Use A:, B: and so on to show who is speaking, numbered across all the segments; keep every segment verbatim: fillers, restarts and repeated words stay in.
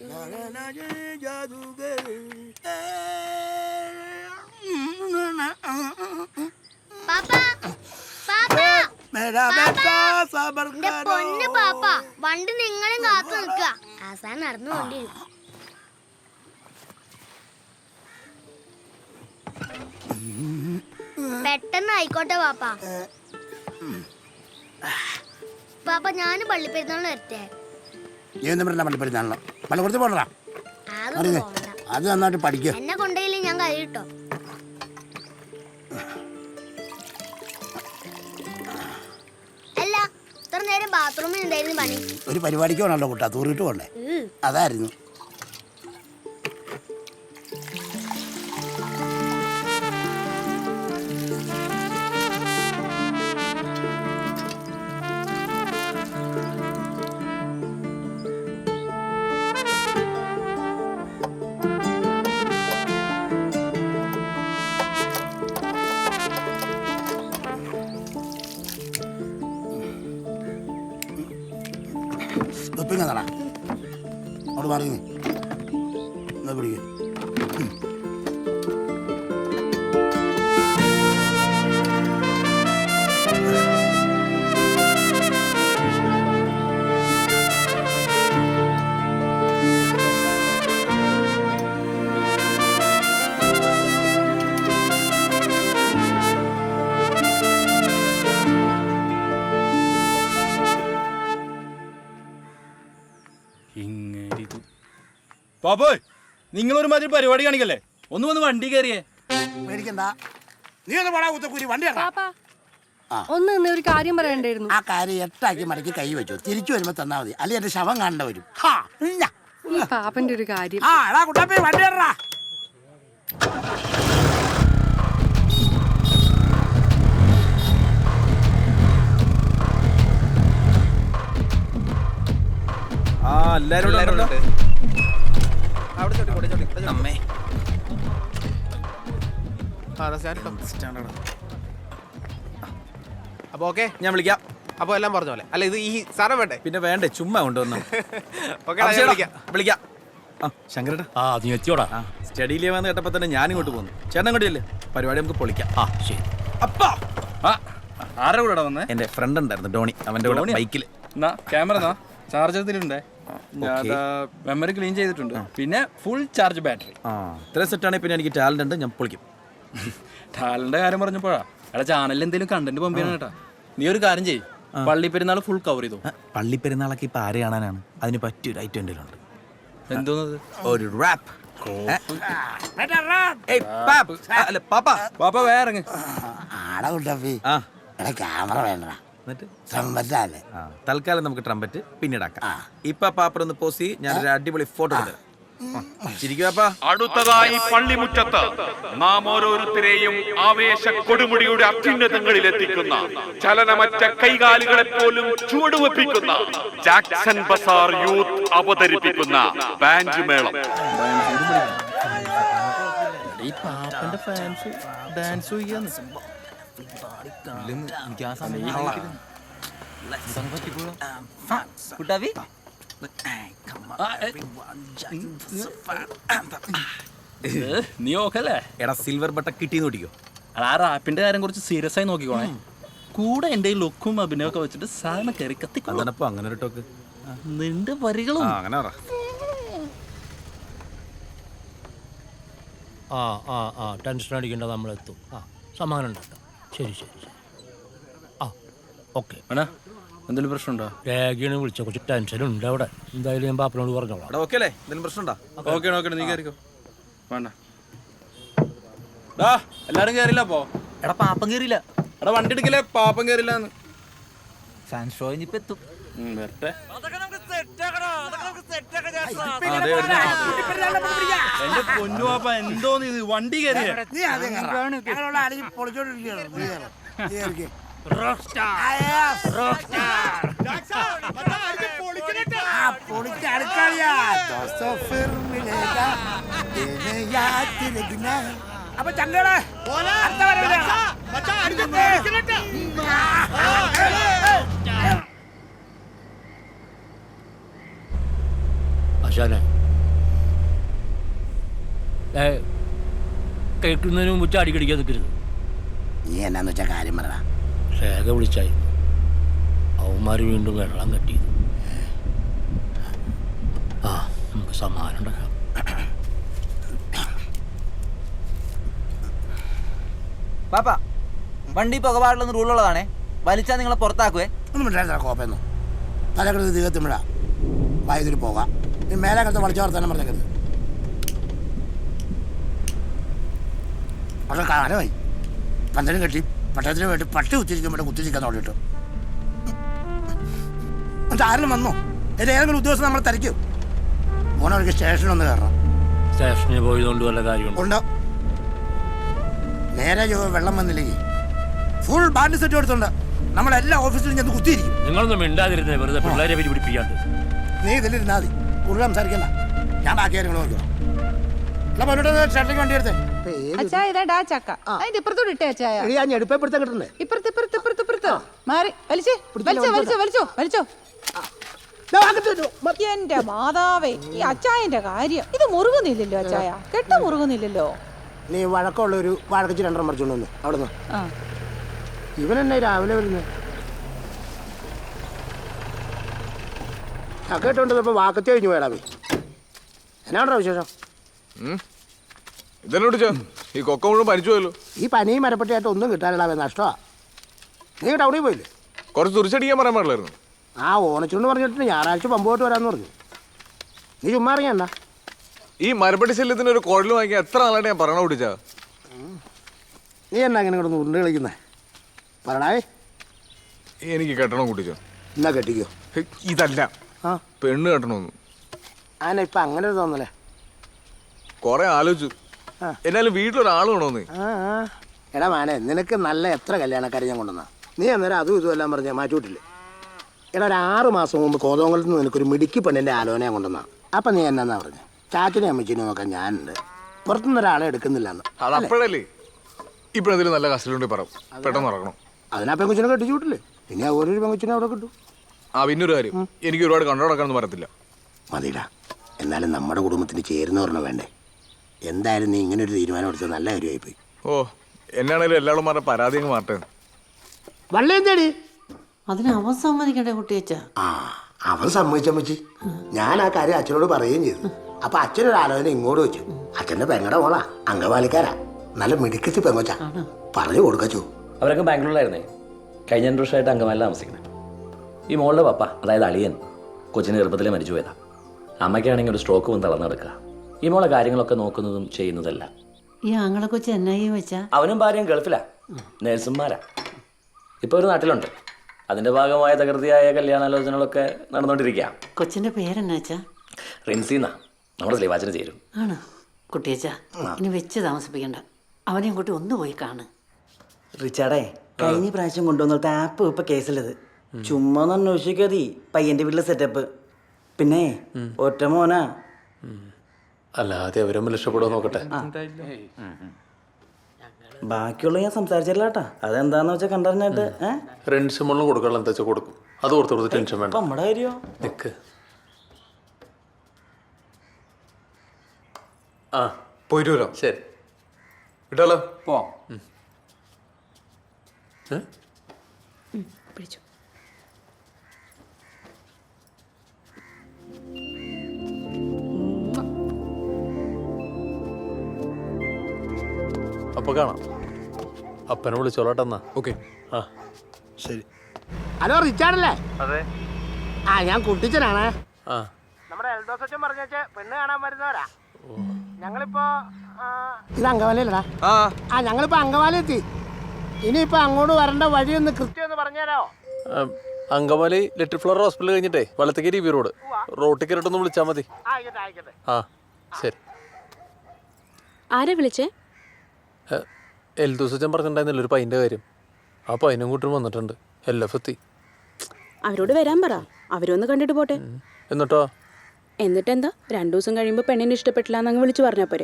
A: പൊന്ന് പാപ്പ, വണ്ടി നിങ്ങളും കാത്തു നിൽക്കുക. ആസാൻ നടന്നുകൊണ്ടിരുന്നു. പെട്ടെന്ന് ആയിക്കോട്ടെ പാപ്പ. പാപ്പ, ഞാന് പള്ളിപ്പെരുന്നാളിന് വരട്ടെ.
B: അത് നന്നായിട്ട് പഠിക്കുക.
A: എന്നെ കൊണ്ടേയില്ലേ ഞാൻ കഴിയിട്ടോ. അല്ല, ഇത്ര നേരം ബാത്റൂമിൽ എന്തായിരുന്നു പണി?
B: ഒരു പരിപാടിക്ക് വേണമല്ലോ കൂട്ടാ, തൂറിട്ട് പോണ്ടേ, അതായിരുന്നു. ടാ അവിടെ മാറി എന്നാ പിടിക്ക.
C: പാപ്പോയ്, നിങ്ങളൊരു മാതിരി പരിപാടി കാണിക്കല്ലേ? ഒന്ന് വന്ന് വണ്ടി കയറിയേ.
B: പേടിക്കണ്ട, നീ ഒന്ന് പോടാ കുത്തക്കൂരി, വണ്ടി
D: ഒന്ന് നിന്ന് ഒരു കാര്യം പറയണ്ടായിരുന്നു.
B: ആ കാര്യം എട്ടാക്കി മടക്കി കൈ വെച്ചു, തിരിച്ചു വരുമ്പോ തന്നാ മതി, അല്ലെങ്കിൽ എന്റെ ശവം കാണേണ്ട വരും.
D: പാപ്പന്റെ ഒരു കാര്യം.
B: ആ എടാ കുട്ടാപ്പി, വണ്ടി ഇടറാ.
C: ആ എല്ലാരും
E: അപ്പൊ ഓക്കെ, ഞാൻ വിളിക്കാം. അപ്പൊ എല്ലാം പറഞ്ഞ പോലെ അല്ല, ഇത് ഈ സാധനം വേണ്ടേ?
C: പിന്നെ വേണ്ടേ, ചുമ്മാ കൊണ്ടുവന്നു.
E: വിളിക്കാം.
C: ശങ്കരേട്ടാ,
F: ആ നീ എത്തിയോടാ.
C: സ്റ്റഡി ലീവാന്ന് കേട്ടപ്പോ തന്നെ ഞാൻ ഇങ്ങോട്ട് പോന്നു. ചേട്ടൻ ഇങ്ങോട്ടില്ലേ, പരിപാടി നമുക്ക് പൊളിക്കാം. ആ ശരി. അപ്പാ ആരുടെ കൂടെ വന്നേ? എന്റെ ഫ്രണ്ട് ഉണ്ടായിരുന്നു ഡോണി, അവന്റെ കൂടെ ബൈക്കിൽ.
F: ക്യാമറ ചാർജ് ചെയ്തിട്ടുണ്ട്, മെമ്മറി ക്ലീൻ ചെയ്തിട്ടുണ്ട്, പിന്നെ ഫുൾ ചാർജ് ബാറ്ററി.
C: ആ ഇത്ര സെറ്റാണെങ്കിൽ പിന്നെ എനിക്ക് ടാലന്റ് ഉണ്ട്, ഞാൻ പൊളിക്കും.
F: ടാലന്റ് കാര്യം പറഞ്ഞപ്പോഴാ എടാ, ചാനലിൽ എന്തെങ്കിലും കണ്ടന്റ് പമ്പിയാണ് കേട്ടാ. നീ ഒരു കാര്യം ചെയ്യ്, പള്ളി പെരുന്നാൾ ഫുൾ കവർ ചെയ്തു.
C: പള്ളി പെരുന്നാളൊക്കെ ഇപ്പൊ ആരെ കാണാനാണ്? അതിന് പറ്റിയൊരു ഐറ്റം എന്തെങ്കിലും ഉണ്ട്.
F: എന്തോന്നത്?
C: ഒരു റാപ്പ്. പാപ്പ വേറെ
B: ആടാ കുട്ടാപ്പി, എടാ ക്യാമറ വേണ്ട,
C: തൽക്കാലം നമുക്ക് ട്രംപറ്റ് പിന്നീടാക്കാം. ഇപ്പൊ പാപ്പറൊന്ന് പോസി, ഞാനൊരു അടിപൊളി ഫോട്ടോ എടുത്തു.
G: അടുത്തതായി പള്ളിമുറ്റത്ത് നാം ഓരോരുത്തരെയും ആവേശ കൊടുമുടിയുടെ അത്യുന്നതങ്ങളിൽ എത്തിക്കുന്ന, ചലനമറ്റ കൈകാലുകളെ പോലും ചുവടുവെപ്പിക്കുന്ന ജാക്സൺ ബസാർ യൂത്ത് അവതരിപ്പിക്കുന്ന ബാൻഡ് മേളം.
F: നീ ഓക്കല്ലേ?
C: എടാ സിൽവർ ബട്ട കിട്ടിയെന്ന് നോക്കിക്കോ.
F: ആ റാപ്പിന്റെ കാര്യം കുറച്ച് സീരിയസ് ആയി നോക്കിക്കോണേ. കൂടെ എന്റെ ലുക്കും അഭിനയൊക്കെ വെച്ചിട്ട് സാധനം കയറി കത്തിക്കോ.
C: അങ്ങനെ ഒരു ടോക്ക്
F: നിന്റെ വരികളും
C: അങ്ങനെ.
F: ആ ആ ആ ടെൻഷൻ അടിക്കേണ്ട, നമ്മളെത്തും. ആ സമാധാനം ഉണ്ടാക്കാം. ശരി ശരി ശരി. ആ ഓക്കെ. വേണ എന്തെങ്കിലും പ്രശ്നമുണ്ടോ? രേഖയാണ് വിളിച്ച, കുറച്ച് ടെൻഷനുണ്ട് അവിടെ. എന്തായാലും ഞാൻ പാപ്പനോട് പറഞ്ഞോളാം.
C: ഓക്കെ അല്ലേ? എന്തെങ്കിലും പ്രശ്നമുണ്ടോ?
F: ഓക്കെ ഓക്കെ, നീ കയറിക്കോ. വേണ്ട എല്ലാരും കയറില്ല. അപ്പോ
E: എടാ പാപ്പം കേറില്ല.
F: എടാ വണ്ടി എടുക്കലേ, പാപ്പം കയറില്ലാന്ന്.
E: ഫാൻ ഷോ ഇനിയിപ്പോ എത്തും.
F: വരട്ടെ. എന്റെ പൊന്നു പാപ്പ, എന്തോന്ന് ഇത്, വണ്ടി കയറിയ
B: അപ്പൊ ചങ്കട
F: ആശാനെ, ഏ, കേൾക്കുന്നതിന് മുമ്പ് ചാടിക്കടിക്കാൻ നിൽക്കരുത്.
B: നീ എന്നാന്ന് വെച്ചാൽ കാര്യം പറ.
F: രേഖ വിളിച്ചായി അവന്മാർ വീണ്ടും വെള്ളം കെട്ടി. ആ നമുക്ക് സമാധാനം ഉണ്ടാക്കാം.
H: പാപ്പ വണ്ടി പുകപാടില്ലെന്ന് റൂളുള്ളതാണേ. വലിച്ചാൽ നിങ്ങളെ പുറത്താക്കുവേ.
B: ഒന്നും മിണ്ടായിരുന്ന കോപ്പയെന്നു തലക്കെടുത്ത് തീകത്തുമ്പോഴാ വായുതിരി പോകാം. നീ മേലെ കിടത്ത് വളച്ചു വർത്താനം പറഞ്ഞേക്കരുത്. പക്ഷെ കാലമായി പന്തലും കെട്ടി പട്ടണത്തിന് വേണ്ടി പട്ടി കുത്തിരിക്കുമ്പോൾ കുത്തിരിക്കാൻ നോക്കിയിട്ട് എന്നിട്ട് ആരെങ്കിലും വന്നോ? എൻ്റെ ഏതെങ്കിലും ഉദ്യോഗസ്ഥൻ നമ്മളെ തിരക്കും. മോനവർക്ക് സ്റ്റേഷനൊന്ന് കയറണം.
F: സ്റ്റേഷനിൽ പോയതുകൊണ്ട് വല്ല കാര്യമുണ്ടോ?
B: ഉണ്ടോ? നേരെ ചൊവ്വെ വെള്ളം വന്നില്ലെങ്കിൽ ഫുൾ ബാൻഡ് സെറ്റ് കൊടുത്തുണ്ട് നമ്മളെല്ലാ ഓഫീസിലും ചെന്ന് കുത്തിയിരിക്കും.
F: നിങ്ങളൊന്നും മിണ്ടാതിരുന്നേ, വെറുതെ പിള്ളേരെ പേര് പിടിപ്പിക്കാണ്ട്.
B: നീ ഇതിലിരുന്നാ മതി, കൂടുതൽ സംസാരിക്കണ്ട. ഞാൻ ബാക്കി കാര്യങ്ങൾ നോക്കണം. ഷട്ടിലേക്ക് വണ്ടി എടുത്തേ.
I: അച്ചായ ഇതാ ചക്ക അതിന്റെ ഇപ്പുറത്തോട് ഇട്ടേ അച്ചായ.
B: ഞാൻ ഞെടുപ്പെടുത്താൻ കിട്ടണ്ടേ?
I: ഇപ്പുറത്ത് ഇപ്പുറത്ത് ഇപ്പുറത്ത് ഇപ്പുറത്ത് മാറി വലിച്ചേ വലിച്ചോ വലിച്ചോ വലിച്ചോ വലിച്ചോ. എന്റെ മാതാവേ, ഈ അച്ചായന്റെ കാര്യം ഇത് മുറുകുന്നില്ലല്ലോ അച്ചായ, കെട്ട മുറുകുന്നില്ലല്ലോ.
B: നീ വഴക്കമുള്ള ഒരു വാഴക്കച്ച് രണ്ടെണ്ണം മറിച്ചോണ്ട് വന്നു അവിടുന്ന്. ഇവനെന്നെ രാവിലെ വരുന്നത് കേട്ടോണ്ടിപ്പോ വാക്കത്തി കഴിഞ്ഞു പോയടാ. പോയി എന്നാണോ വിശേഷം?
J: ഇതെന്നോട് ഈ കൊക്ക മുഴുവൻ പരിച്ചു പോയല്ലോ.
B: ഈ പനിയും മരപ്പെട്ടിയായിട്ട് ഒന്നും കിട്ടാനിടാവേ, നഷ്ടമാ. നീ ടൗണിൽ പോയില്ലേ?
J: കുറച്ച് തുറിച്ചടിക്കാൻ പറയാൻ പാടില്ലായിരുന്നു.
B: ആ ഓണച്ചുണ്ട് പറഞ്ഞിട്ട് ഞായറാഴ്ച പമ്പോട്ട് വരാമെന്ന് പറഞ്ഞു. നീ ചുമ്മാ അറിയണ്ട.
J: ഈ മരപ്പട്ടി ശല്യത്തിന് ഒരു കുഴൽ വാങ്ങിക്കാൻ എത്ര നാളായിട്ട് ഞാൻ പറയണ പിടിച്ചാ.
B: നീ എന്നാ അങ്ങനെ കിടന്ന് ഉരുണ്ട് കളിക്കുന്നേ? പറയണേ.
J: എനിക്ക് കെട്ടണം കുട്ടിച്ചോ.
B: എന്നാ കെട്ടിക്കോ.
J: ഇതല്ല,
B: ആ
J: പെണ്ണ് കെട്ടണമെന്ന്.
B: ആന ഇപ്പം അങ്ങനെ ഒരു തോന്നലേ.
J: കുറെ ആലോചിച്ചു, എന്നാലും വീട്ടിലൊരാൾ വേണോന്ന്.
B: ആ ആ എടാ മാനെ, നിനക്ക് നല്ല എത്ര കല്യാണക്കാരെ ഞാൻ കൊണ്ടുവന്നാ. നീ അന്നേരം അതും ഇതും എല്ലാം പറഞ്ഞാൽ മാറ്റിവിട്ടില്ലേ? എടാ ഒരു ആറ് മാസം മുമ്പ് കോതോങ്കലത്ത് നിന്ന് നിനക്കൊരു മിടുക്കി പെണ്ണിൻ്റെ ആലോചന ഞാൻ കൊണ്ടുവന്നാ. അപ്പം നീ എന്നാ പറഞ്ഞു? ചാച്ചനെ അമ്മച്ചിനെ നോക്കാൻ ഞാനുണ്ട്, പുറത്തുനിന്ന് ഒരാളെ എടുക്കുന്നില്ലെന്ന്.
J: അത് അപ്പോഴല്ലേ. ഇപ്പോഴെന്തെങ്കിലും നല്ല കസ്റ്റഡിയുണ്ട് പറ, പെട്ടെന്ന് ഇറങ്ങണം.
B: അതിനാ പെങ്കുച്ചിനെ കെട്ടിച്ചു വിട്ടില്ലേ? പിന്നെ ഓരോ പെങ്കുച്ചിനെ അവിടെ കിട്ടും.
J: ആ പിന്നൊരു കാര്യം, എനിക്ക് ഒരുപാട് കണ്ടു നടക്കാനൊന്നും പറയത്തില്ല.
B: മതിടാ, എന്നാലും നമ്മുടെ കുടുംബത്തിന് ചേരുന്നവരണം വേണ്ടേ? എന്തായാലും നീ ഇങ്ങനെ ഒരു തീരുമാനം എടുത്തത് നല്ല കാര്യമായിപ്പോയി.
J: ഓ, എന്നാണേലും എല്ലാവരും പറഞ്ഞ പരാതി അങ്ങ് മാറ്റേ.
B: വള്ളി എന്തേടി?
I: അതിന് അവൻ സമ്മതിക്കണ്ടേ കുട്ടിയച്ച?
B: ആ അവൻ സമ്മതിച്ചമ്മച്ചി. ഞാൻ ആ കാര്യം അച്ഛനോട് പറയുകയും ചെയ്തു. അപ്പൊ അച്ഛനൊരു ആലോചന ഇങ്ങോട്ട് വെച്ചു. അച്ഛന്റെ പെങ്ങടെ മോളാ, അംഗവാലിക്കാരാ, നല്ല മിടുക്കത്തി പെങ്ങച്ച. പറഞ്ഞു കൊടുക്കച്ചു.
K: അവരൊക്കെ ബാംഗ്ലൂരിലായിരുന്നേ. കഴിഞ്ഞ രണ്ട് വർഷമായിട്ട് അങ്കമാലിൽ താമസിക്കുന്നത്. ഈ മോളുടെ പപ്പ, അതായത് അളിയൻ, കൊച്ചിന് ഗർഭത്തിൽ മരിച്ചു പോയതാ. അമ്മയ്ക്കാണെങ്കിൽ ഒരു സ്ട്രോക്ക് വന്ന് തളർന്നു കിടക്കുക. ഈ മോളെ കാര്യങ്ങളൊക്കെ നോക്കുന്നതും ചെയ്യുന്നതല്ല.
I: ഈ ആങ്ങളെ കൊച്ചു എന്നായി വെച്ചാ?
K: അവനും ഭാര്യയും ഗൾഫിലാ, നേഴ്സുമാരാ. ഇപ്പോൾ ഒരു നാട്ടിലുണ്ട്. അതിന്റെ ഭാഗമായ തകൃതിയായ കല്യാണാലോചനകളൊക്കെ നടന്നുകൊണ്ടിരിക്കുക.
I: കൊച്ചിന്റെ പേരെന്നാച്ചാ?
K: റിൻസിന്നാ, നമ്മുടെ സ്ലീവാച്ചിന് ചേരും.
I: ആണ് കുട്ടിയച്ച, ഇനി വെച്ച് താമസിപ്പിക്കണ്ട. അവനെയും കൂട്ടി ഒന്ന് പോയി കാണ്.
H: റിച്ചാർഡേ, കഴിഞ്ഞ പ്രാവശ്യം കൊണ്ടുവന്നിട്ട് ആപ്പ് ഇപ്പൊ കേസിലത്. ചുമ്മാ ഒന്ന് അന്വേഷിക്കാതി പയ്യന്റെ വീട്ടിലെ സെറ്റപ്പ്. പിന്നെ ഒറ്റ മോനാ.
C: അല്ലാതെ അവരൊന്നും രക്ഷപ്പെടുമോ നോക്കട്ടെ.
H: ബാക്കിയുള്ള ഞാൻ സംസാരിച്ചില്ല കേട്ടാ. അതെന്താന്ന് വെച്ചാൽ കണ്ടറിഞ്ഞിട്ട്
C: റെൻസ് മുള്ളും കൊടുക്കണം, എന്താ വെച്ചാൽ കൊടുക്കും. അത് ഓർത്ത് കൊടുത്ത് ടെൻഷൻ വേണ്ട.
H: നമ്മുടെ കാര്യോ
C: നിക്ക്. ആ
J: പോയിട്ട് വരാം.
C: ശരി,
J: വിട്ടാലോ?
H: പോവാം.
I: പിടിച്ചു.
C: അപ്പൊ കാണാം. അപ്പനെ വിളിച്ചോളട്ടെന്നാ.
J: ഓക്കെ.
C: ആ
B: ശരി. ഹലോ റിച്ചാർഡല്ലേ?
E: അതെ.
B: ആ ഞാൻ കുട്ടിച്ചനാണ്.
C: ആ
B: നമ്മുടെ എൽദോസ് അച്ഛൻ പറഞ്ഞ പെണ്ണ് കാണാൻ വരുന്നവരാ. ഞങ്ങളിപ്പോ ഇത് അങ്കമാലിയിലടാ.
J: ആ
B: ആ ഞങ്ങളിപ്പോ അങ്കമാലി എത്തി. ഇനിയിപ്പോ അങ്ങോട്ട് വരേണ്ട വഴിയൊന്ന് കൃത്യം ഒന്ന് പറഞ്ഞുതരാമോ?
C: അങ്കമാലി ലിറ്റിൽ ഫ്ലവർ ഹോസ്പിറ്റൽ കഴിഞ്ഞിട്ടേ വലത്തേക്ക് ബി റോഡ് റോട്ടിൽ കയറിട്ടൊന്ന് വിളിച്ചാൽ മതി.
B: ആയിക്കോട്ടെ ആയിക്കോട്ടെ.
C: ആ ശരി.
D: ആരെ വിളിച്ചേ?
C: എൽ ദിവസം പറഞ്ഞിട്ടുണ്ടായിരുന്നില്ല ഒരു പൈൻ്റെ കാര്യം. ആ പൈനും കൂട്ടും വന്നിട്ടുണ്ട്. എൽ എഫ് എത്തി.
D: അവരോട് വരാൻ പറ, അവരൊന്ന് കണ്ടിട്ട് പോട്ടെ.
C: എന്നിട്ടോ?
D: എന്നിട്ടെന്താ, രണ്ടു ദിവസം കഴിയുമ്പോൾ പെണ്ണിനെ ഇഷ്ടപ്പെട്ടില്ല എന്നങ്ങ് വിളിച്ചു പറഞ്ഞാ പോരെ?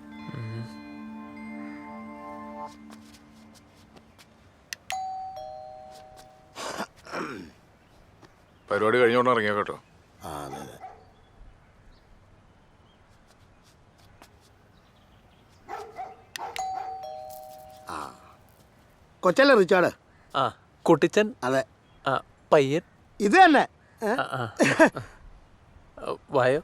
J: പരിപാടി കഴിഞ്ഞോണ്ട് ഇറങ്ങിയോ കേട്ടോ.
B: ആ അതെ അതെ. കൊച്ചല്ലേ റിച്ചാർഡ്?
E: ആ കുട്ടിച്ചൻ.
B: അതെ.
E: ആ പയ്യൻ
B: ഇത് തന്നെ. ഏ?
E: വായോ.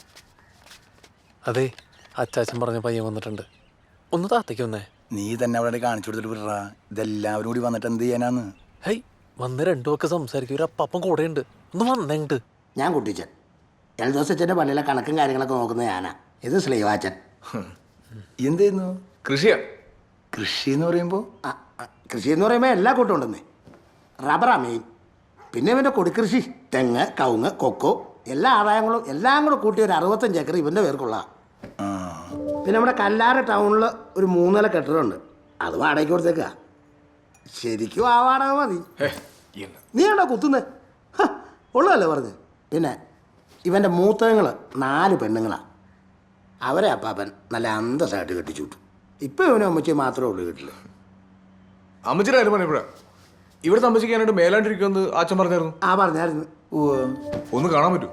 E: അതെ, അച്ചാച്ചൻ പറഞ്ഞ പയ്യൻ വന്നിട്ടുണ്ട്. ഒന്ന് താത്തേക്ക് വന്നേ.
B: നീ തന്നെ അവിടെ കാണിച്ചു കൊടുത്തിട്ട് വിടറാ. ഇതെല്ലാവരും കൂടി വന്നിട്ട് എന്ത് ചെയ്യാനാന്ന്?
E: ഹൈ, വന്ന് രണ്ടു ഒക്കെ സംസാരിക്കും. ഒരു അപ്പം കൂടെ ഉണ്ട്. ഒന്ന് വന്നെങ്ങോട്ട്.
B: ഞാൻ കുട്ടിച്ചൻ. എൽദോസച്ചൻ്റെ പള്ളിയിലെ കണക്കും കാര്യങ്ങളൊക്കെ നോക്കുന്നത് ഞാനാ. ഇത് ശ്രീവാച്ചൻ. എന്ത് ചെയ്യുന്നു?
J: കൃഷിയാ.
B: കൃഷി എന്ന് പറയുമ്പോൾ കൃഷി എന്ന് പറയുമ്പോൾ എല്ലാ കൂട്ടം ഉണ്ടെന്നേ. റബ്ബറാ മെയിൻ. പിന്നെ ഇവൻ്റെ കൊടിക്കൃഷി, തെങ്ങ്, കവുങ്ങ്, കൊക്കോ, എല്ലാ ആദായങ്ങളും എല്ലാം കൂടെ കൂട്ടി ഒരു അറുപത്തഞ്ച് ഏക്കർ ഇവൻ്റെ പേർക്കുള്ള. പിന്നെ നമ്മുടെ കല്ലാറ് ടൗണിൽ ഒരു മൂന്നില കെട്ടിടമുണ്ട്. അത് വാടകയ്ക്ക് കൊടുത്തേക്കാ. ശരിക്കും ആ വാടക മതി. നീ ആണോ കുത്തുന്നേ? ഉള്ളതല്ലേ പറഞ്ഞ്. പിന്നെ ഇവൻ്റെ മൂത്തങ്ങൾ നാല് പെണ്ണുങ്ങളാണ്. അവരെ അപ്പാപ്പൻ നല്ല അന്തസ്സായിട്ട് കെട്ടിച്ചു വിട്ടു. ഇപ്പം ഇവനും അമ്മച്ചി മാത്രമേ ഉള്ളൂ വീട്ടിൽ.
J: അമ്മച്ചിയുടെ കാര്യം പറഞ്ഞപ്പോഴാ ഇവിടെ താമസിക്കാനായിട്ട് മേലാണ്ടിരിക്കുമെന്ന് അച്ഛൻ പറഞ്ഞായിരുന്നു.
B: ആ പറഞ്ഞായിരുന്നു.
J: ഒന്ന് കാണാൻ പറ്റൂ?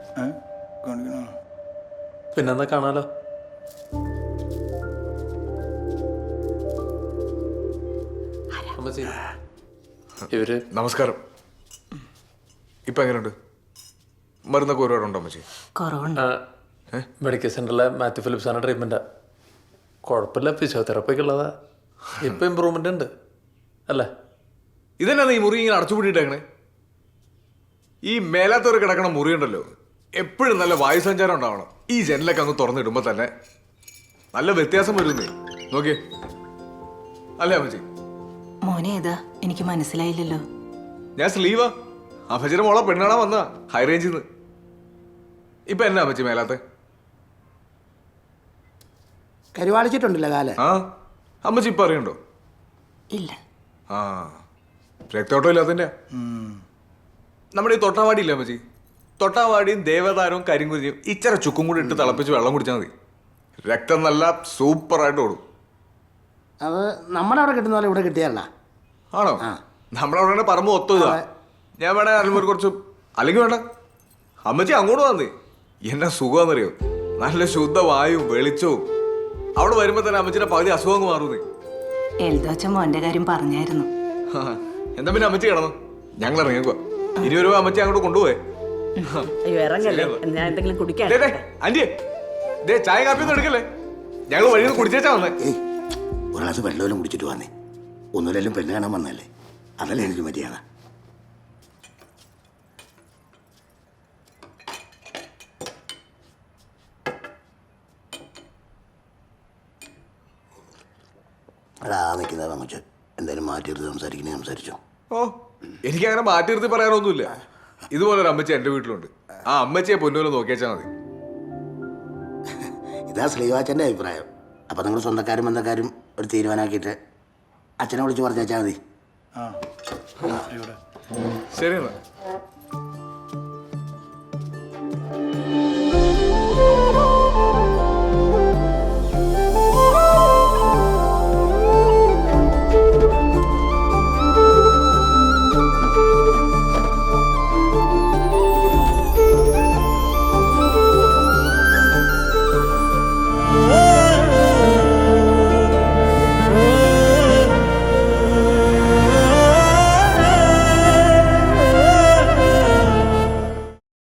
E: പിന്നെന്താ കാണാലോ. ഇവര്
J: നമസ്കാരം. ഇപ്പൊ എങ്ങനെയുണ്ട്? മരുന്നൊക്കെ ഒരുപാടുണ്ടോ അമ്മച്ചി?
E: മെഡിക്കൽ സെന്ററിലെ മാത്യു ഫിലിപ്സാണ് ട്രീറ്റ്മെൻറ്റാ. കുഴപ്പമില്ല, ഫിസിയോതെറാപ്പിക്ക് ഉള്ളതാ. ഇപ്പം ഇമ്പ്രൂവ്മെൻ്റ് ഉണ്ട് അല്ലേ?
J: ഇതന്നെ ഈ മുറി ഇങ്ങനെ അടച്ചുപൂട്ടിയിട്ടേക്കണേ. ഈ മേലാത്തവർ കിടക്കണ മുറി ഉണ്ടല്ലോ, എപ്പോഴും നല്ല വായുസഞ്ചാരം ഉണ്ടാവണം. ഈ ജനലൊക്കെ അങ്ങ് തുറന്നിടുമ്പോൾ തന്നെ നല്ല വ്യത്യാസം വരുന്നേ. നോക്കിയേ. അല്ലേ അമ്മച്ചി?
I: മോനെ ഏതാ? എനിക്ക് മനസ്സിലായില്ലല്ലോ.
J: ഞാൻ സ്ലീവാ. അമ്മച്ചിയുടെ മോളെ പെണ്ണാണാ വന്ന ഹൈ റേഞ്ചിൽ നിന്ന്. ഇപ്പൊ എന്നാ അമ്മച്ചി മേലാത്തെ?
B: കരുവാളിച്ചിട്ടുണ്ടല്ലോ കാല്.
J: ആ അമ്മച്ചി ഇപ്പൊ അറിയണ്ടോ?
I: ഇല്ല.
J: ആ രക്തോട്ടം ഇല്ലാത്തതിന്റെ. നമ്മുടെ ഈ തൊട്ടാവാടി ഇല്ല അമ്മച്ചി, തൊട്ടാവാടിയും ദേവതാരവും കരിങ്കുരിയും ഇച്ചിര ചുക്കും കൂടി ഇട്ട് തിളപ്പിച്ച് വെള്ളം കുടിച്ചാൽ മതി. രക്തം നല്ല സൂപ്പറായിട്ട് ഓടും.
B: അത് നമ്മുടെ അവിടെ കിട്ടുന്ന പോലെ ഇവിടെ കിട്ടിയല്ല.
J: ആണോ? നമ്മളവിടെ പറമ്പ് ഒത്തു ഇതാ. ഞാൻ വേണേ അറിയുമ്പോൾ കുറച്ച്, അല്ലെങ്കിൽ വേണ്ട അമ്മച്ചി അങ്ങോട്ട് വന്നേ. എന്നാ സുഖമാണെന്നറിയോ? നല്ല ശുദ്ധ വായുവും വെളിച്ചവും. അവിടെ വരുമ്പോ തന്നെ അമ്മച്ചിയുടെ പകുതി അസുഖം മാറുന്നേ.
I: എൽദോച്ച മോന്റെ കാര്യം പറഞ്ഞായിരുന്നു.
J: എന്താ പിന്നെ അമ്മച്ചി കിടന്നു? ഞങ്ങൾ ഇറങ്ങിക്കുക. ഇനി ഒരു അമ്മച്ചി അങ്ങോട്ട് കൊണ്ടുപോയേ. ആന്റിയെ ദേ ചായ കാപ്പിയൊന്നും എടുക്കല്ലേ, ഞങ്ങൾ വഴിയിൽ നിന്ന് കുടിച്ചേച്ചാ വന്നേ.
B: ഏയ് ഒരു ഗ്ലാസ് വെള്ളമെല്ലാം കുടിച്ചിട്ട് വന്നേ. ഒന്നുമില്ലെങ്കിലും പെണ്ണ് കാണാൻ വന്നല്ലേ, അതല്ലേ എനിക്ക് മര്യാദ. അടാ നിൽക്കുന്നത് പങ്കുച്ച് എന്തായാലും മാറ്റിയെടുത്ത് സംസാരിക്കണേ സംസാരിച്ചോ.
J: ഓ എനിക്കങ്ങനെ മാറ്റി നിർത്തി പറയാനൊന്നുമില്ല. ഇതുപോലെ ഒരു അമ്മച്ചി എൻ്റെ വീട്ടിലുണ്ട്. ആ അമ്മച്ചിയെ പൊന്നുപോലെ നോക്കിയാച്ചാൽ മതി.
B: ഇതാ ശ്രീവാച്ചൻ്റെ അഭിപ്രായം. അപ്പം നിങ്ങൾ സ്വന്തക്കാരും ബന്ധക്കാരും ഒരു തീരുമാനമാക്കിയിട്ട് അച്ഛനെ വിളിച്ച് പറഞ്ഞാൽ മതി.
J: ശരി എന്നാ.